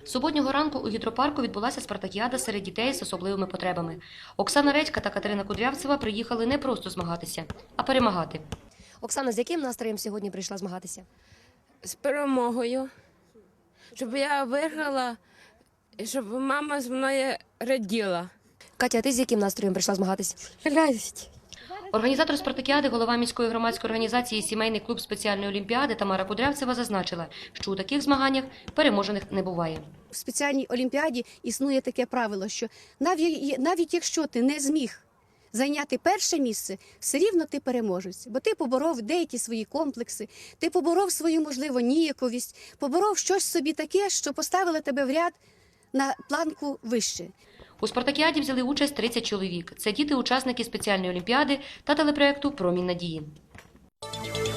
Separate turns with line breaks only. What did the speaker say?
Суботнього ранку у гідропарку відбулася спартакіада серед дітей з особливими потребами. Оксана Редька та Катерина Кудрявцева приїхали не просто змагатися, а перемагати. Оксана, з яким настроєм сьогодні прийшла змагатися?
З перемогою, щоб я виграла, і щоб мама з мною раділа.
Катя, а ти з яким настроєм прийшла змагатися?
Радість.
Організатор спартакіади, голова міської громадської організації «Сімейний клуб спеціальної олімпіади» Тамара Кудрявцева зазначила, що у таких змаганнях переможених не буває.
В спеціальній олімпіаді існує таке правило, що навіть якщо ти не зміг зайняти перше місце, все рівно ти переможець, бо ти поборов деякі свої комплекси, ти поборов свою, можливо, ніяковість, поборов щось собі таке, що поставило тебе в ряд на планку вище.
У спартакіаді взяли участь 30 чоловік. Це діти-учасники спеціальної олімпіади та телепроєкту «Промінь надії».